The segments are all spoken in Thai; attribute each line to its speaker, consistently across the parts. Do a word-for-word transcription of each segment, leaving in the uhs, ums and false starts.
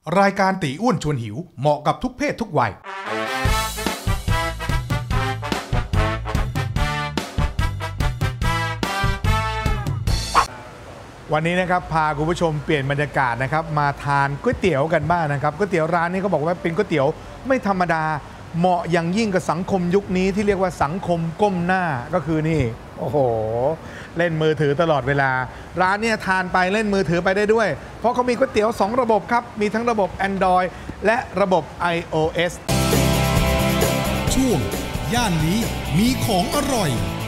Speaker 1: รายการตีอ้วนชวนหิวเหมาะกับทุกเพศทุกวัยวันนี้นะครับพาคุณผู้ชมเปลี่ยนบรรยากาศนะครับมาทานก๋วยเตี๋ยวกันบ้างนะครับก๋วยเตี๋ยวร้านนี้เขาบอกว่าเป็นก๋วยเตี๋ยวไม่ธรรมดาเหมาะอย่างยิ่งกับสังคมยุคนี้ที่เรียกว่าสังคมก้มหน้าก็คือนี่โอ้โหเล่นมือถือตลอดเวลาร้านเนี่ยทานไปเล่นมือถือไปได้ด้วยเพราะเขามีก๋วยเตี๋ยวสองระบบครับมีทั้งระบบ Android และระบบ iOS
Speaker 2: ช่วงย่านนี้มีของอร่อย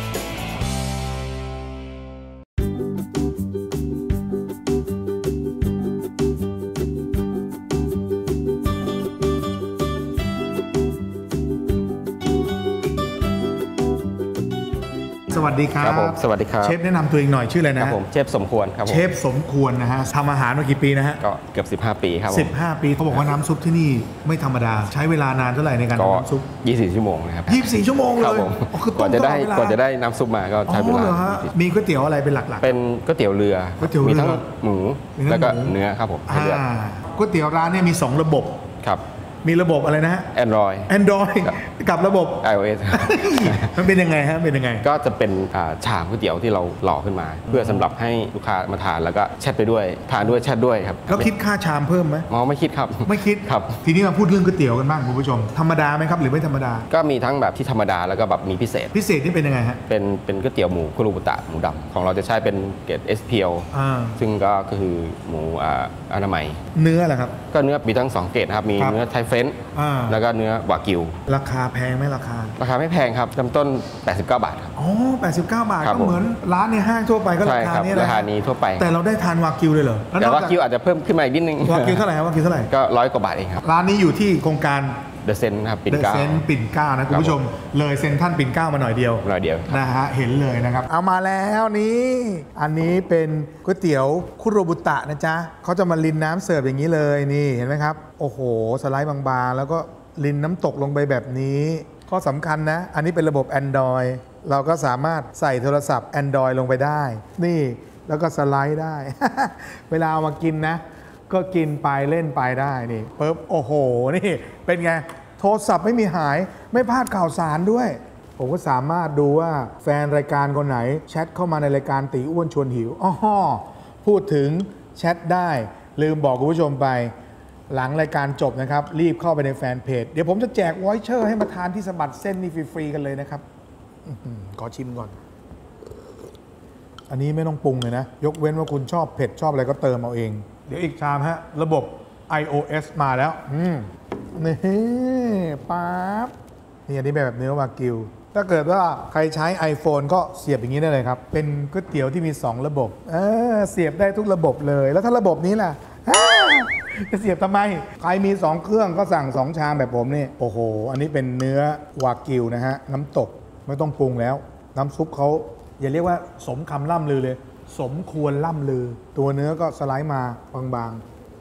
Speaker 1: สวัสดีครับ
Speaker 3: ครับผมสวัสดีครับ
Speaker 1: เชฟแนะนำตัวเองหน่อยชื่ออะไรนะครับ
Speaker 3: ผมเชฟสมควรครับผม
Speaker 1: เชฟสมควรนะฮะทำอาหารมากี่ปีนะฮะ
Speaker 3: ก็เกือบสิบห้าปีครับ
Speaker 1: สิบห้าปีเขาบอกว่าน้ำซุปที่นี่ไม่ธรรมดาใช้เวลานานเท่าไหร่ในการทำน้ำซุป
Speaker 3: ยี่สิบสี่ชั่วโมงนะครับ
Speaker 1: ยี่สิบสี่ชั่วโมงเลย
Speaker 3: กว่าจะได้กว่าจะได้น้ำซุปมาก็ใช้เวลา
Speaker 1: มีก๋วยเตี๋ยวอะไรเป็นหลัก
Speaker 3: ๆเป็นก๋วยเตี๋ยวเรือมีทั้งหมูแล้วก็เนื้อครับผม
Speaker 1: ก๋วยเตี๋ยวร้านเนี่ยมีสองระบบ
Speaker 3: ครับ
Speaker 1: มีระบบอะไรนะฮะ
Speaker 3: Android
Speaker 1: Android กับระบบ
Speaker 3: iOS
Speaker 1: มันเป็นยังไงฮะเป็นยังไง
Speaker 3: ก็จะเป็นชามก๋วยเตี๋ยวที่เราหล่อขึ้นมาเพื่อสำหรับให้ลูกค้ามาทานแล้วก็แชทไปด้วยทานด้วยแชทด้วยครับ
Speaker 1: แล้วคิดค่าชามเพิ่มไหม
Speaker 3: อ๋อไม่คิดครับ
Speaker 1: ไม่คิด
Speaker 3: ครับ
Speaker 1: ทีนี้มาพูดเรื่องก๋วยเตี๋ยวกันบ้างคุณผู้ชมธรรมดาไหมครับหรือไม่ธรรมดา
Speaker 3: ก็มีทั้งแบบที่ธรรมดาแล้วก็แบบมีพิเศษ
Speaker 1: พิเศษนี่เป็นยังไงฮะ
Speaker 3: เป็นเป็นก๋วยเตี๋ยวหมูคุรุบุตะหมูดำของเราจะใช้เป็นเกรด เอส พี แอล ซึ่งก็คือหมูอนามัย
Speaker 1: เนื้อแหละครับ
Speaker 3: ก็เนื้อมีทั้งสองเกรดครับมีเนื้อไทเฟนแล้วก็เนื้อวากิว
Speaker 1: ราคาแพงไหมราคา
Speaker 3: ราคาไม่แพงครับเริ่มต้นแปดสิบเก้าบาทครับ
Speaker 1: อ๋อแปดสิบเก้าบาทก็เหมือนร้านในห้างทั่วไปก็ราคานี้แหละ
Speaker 3: ราคานี้ทั่วไป
Speaker 1: แต่เราได้ทานวากิวเลยเหรอ
Speaker 3: แต่วากิวอาจจะเพิ่มขึ้นมาอีกนิดนึง
Speaker 1: วากิวเท่าไหร่ครับวากิวเท่าไหร่
Speaker 3: ก็ร้อยกว่าบาทเองครับ
Speaker 1: ร้านนี้อยู่ที่โครงการ
Speaker 3: เดอะเซนครับปิ่น
Speaker 1: เก้า
Speaker 3: เดอะเซน
Speaker 1: ปิ่นเก้านะคุณผู้ชมเลยเซ็นท่านปิ่นเก้ามาหน่อยเดียว
Speaker 3: หน่อยเดียว
Speaker 1: นะฮะเห็นเลยนะครับเอามาแล้วนี่อันนี้เป็นก๋วยเตี๋ยวคุโรบุตะนะจ๊ะเขาจะมารินน้ำเสิร์ฟอย่างนี้เลยนี่เห็นไหมครับโอ้โหสไลด์บางๆแล้วก็รินน้ำตกลงไปแบบนี้ข้อสำคัญนะอันนี้เป็นระบบ Android เราก็สามารถใส่โทรศัพท์ Android ลงไปได้นี่แล้วก็สไลด์ได้ เวลาเอามากินนะก็กินไปเล่นไปได้นี่ปึ๊บโอ้โหนี่เป็นไงโทรศัพท์ไม่มีหายไม่พลาดข่าวสารด้วยผมก็สามารถดูว่าแฟนรายการคนไหนแชทเข้ามาในรายการตีอ้วนชวนหิวอ๋อพูดถึงแชทได้ลืมบอกคุณผู้ชมไปหลังรายการจบนะครับรีบเข้าไปในแฟนเพจเดี๋ยวผมจะแจกวอยเชอร์ให้มาทานที่สะบัดเส้นนี่ฟรีๆกันเลยนะครับขอชิมก่อนอันนี้ไม่ต้องปรุงเลยนะยกเว้นว่าคุณชอบเผ็ดชอบอะไรก็เติมเอาเองเดี๋ยวอีกชามฮะระบบ iOS มาแล้วอืมนี่ปั๊บนี่อันนี้แบบเนื้อวากิวถ้าเกิดว่าใครใช้ iPhone ก็เสียบอย่างนี้ได้เลยครับเป็นก๋วยเตี๋ยวที่มีสองระบบเออเสียบได้ทุกระบบเลยแล้วถ้าระบบนี้ล่ะจะเสียบทำไมใครมีสองเครื่องก็สั่งสองชามแบบผมนี่โอ้โหอันนี้เป็นเนื้อวากิวนะฮะน้ำตกไม่ต้องปรุงแล้วน้ำซุปเขาอย่าเรียกว่าสมคำล่ำลือเลยสมควรล่ำลือตัวเนื้อก็สไลด์มาบาง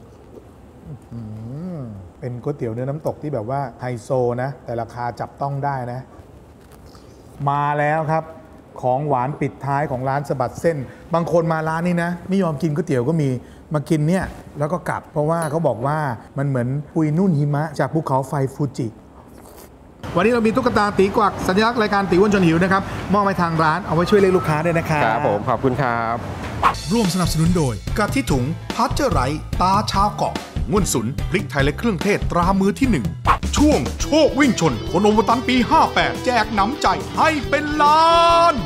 Speaker 1: ๆเป็นก๋วยเตี๋ยวเนื้อน้ำตกที่แบบว่าไฮโซนะแต่ราคาจับต้องได้นะมาแล้วครับของหวานปิดท้ายของร้านสะบัดเส้นบางคนมาร้านนี้นะไม่ยอมกินก๋วยเตี๋ยวก็มีมากินเนี่ยแล้วก็กลับเพราะว่าเขาบอกว่ามันเหมือนปุยนุ่นหิมะจากภูเขาไฟฟูจิวันนี้เรามีตุ๊กตาตีกวักสัญลักษณ์รายการตีอ้วนชวนหิวนะครับมอบไปทางร้านเอาไว้ช่วยเรียกลูกค้าด้วยนะครับ
Speaker 3: ครับผมขอบคุณครับ
Speaker 2: ร่วมสนับสนุนโดย
Speaker 1: กะทิถุงพัชเจอร์ไรตาชาวเกาะงุ่นสุนพริกไทยและเครื่องเทศตรามือที่หนึ่งช่วงโชควิ่งชนคนโอมตันปีห้าแปดแจกน้ำใจให้เป็นล้าน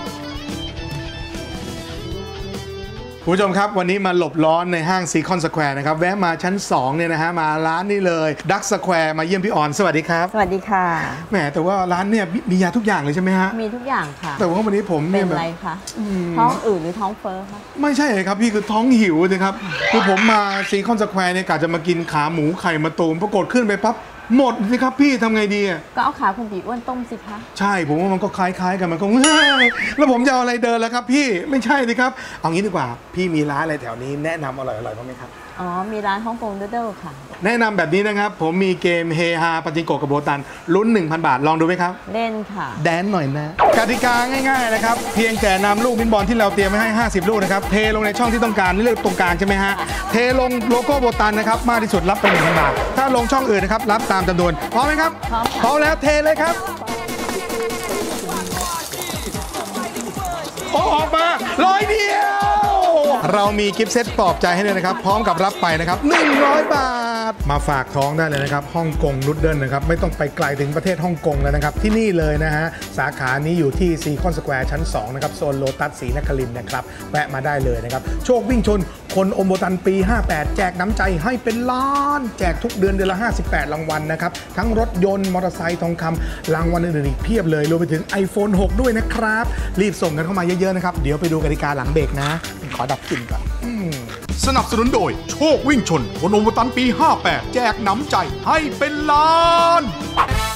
Speaker 1: คุณผู้ชมครับวันนี้มาหลบร้อนในห้างซีคอนสแควร์นะครับแวะมาชั้นสองเนี่ยนะฮะมาร้านนี้เลยดักสแควร์มาเยี่ยมพี่ออนสวัสดีครับ
Speaker 4: สวัสดีค่ะ
Speaker 1: แหมแต่ว่าร้านเนี่ยมียาทุกอย่างเลยใช่ไหมฮะ
Speaker 4: มีทุกอย่างค่ะ
Speaker 1: แต่ว่าวันนี้ผม
Speaker 4: เนี่ยเป็นอะไรคะท้องอืดหรือท้องเฟ้อคะ
Speaker 1: ไม่ใช่ครับพี่คือท้องหิวเลยครับคือผมมาซีคอนสแควร์เนี่ยกะจะมากินขาหมูไข่มะตูมปรากฏขึ้นไปปั๊บหมดสิครับพี่ทำไงดีอ่ะ
Speaker 4: ก็เอาขาคุณตีอ้วนต้มสิคะ
Speaker 1: ใช่ผมว่ามันก็คล้ายๆกันมันก็แล้วผมจะเอาอะไรเดินแล้วครับพี่ไม่ใช่สิครับเอางี้ดีกว่าพี่มีร้านอะไรแถวนี้แนะนำอร่อยๆบ้างไหมครับ
Speaker 4: ออ๋อ มีร้านฮ่องกงนูดเดิลค่ะ
Speaker 1: แนะนำแบบนี้นะครับ ผมมีเกมเฮฮาปาจิงโกะกับโบตันลุ้น หนึ่งพัน บาทลองดูไหมครับ
Speaker 4: เล่นค่ะ
Speaker 1: แดนหน่อยนะกติกาง่ายๆนะครับเพียงแต่นำลูกบินบอลที่เราเตรียมไว้ให้ห้าสิบลูกนะครับเทลงในช่องที่ต้องการเลือกตรงกลางใช่ไหมฮะเทลงโลโก้โบตันนะครับมากที่สุดรับไปหนึ่งพันบาทถ้าลงช่องอื่นนะครับรับตามจำนวนพร้อมไหมครับ
Speaker 4: พร้อมค่ะ
Speaker 1: พร้อมแล้วเทเลยครับโอ้ออกมาร้อยเดียวเรามีกิฟต์เซตปลอบใจให้เลยนะครับพร้อมกับรับไปนะครับหนึ่งร้อยบาทมาฝากท้องได้เลยนะครับฮ่องกงนูดเดิลนะครับไม่ต้องไปไกลถึงประเทศฮ่องกงแล้วนะครับที่นี่เลยนะฮะสาขานี้อยู่ที่ซีคอนสแควร์ชั้นสองนะครับโซนโลตัสศรีนครินทร์นะครับแวะมาได้เลยนะครับโชควิ่งชนคนอมโบตันปีห้าแปดแจกน้ำใจให้เป็นล้านแจกทุกเดือนเดือนละห้าสิบแปดรางวัลนะครับทั้งรถยนต์มอเตอร์ไซค์ทองคำรางวัลอื่นๆอีกเพียบเลยรวมไปถึง ไอโฟน หก ด้วยนะครับรีบส่งกันเข้ามาเยอะๆนะครับเดี๋ยวไปดูกติกาหลังเบรกนะขอดับกลิ่นก่อนสนับสนุนโดยโชควิ่งชนคนอมโบตันปีห้าแปดแจกน้ำใจให้เป็นล้าน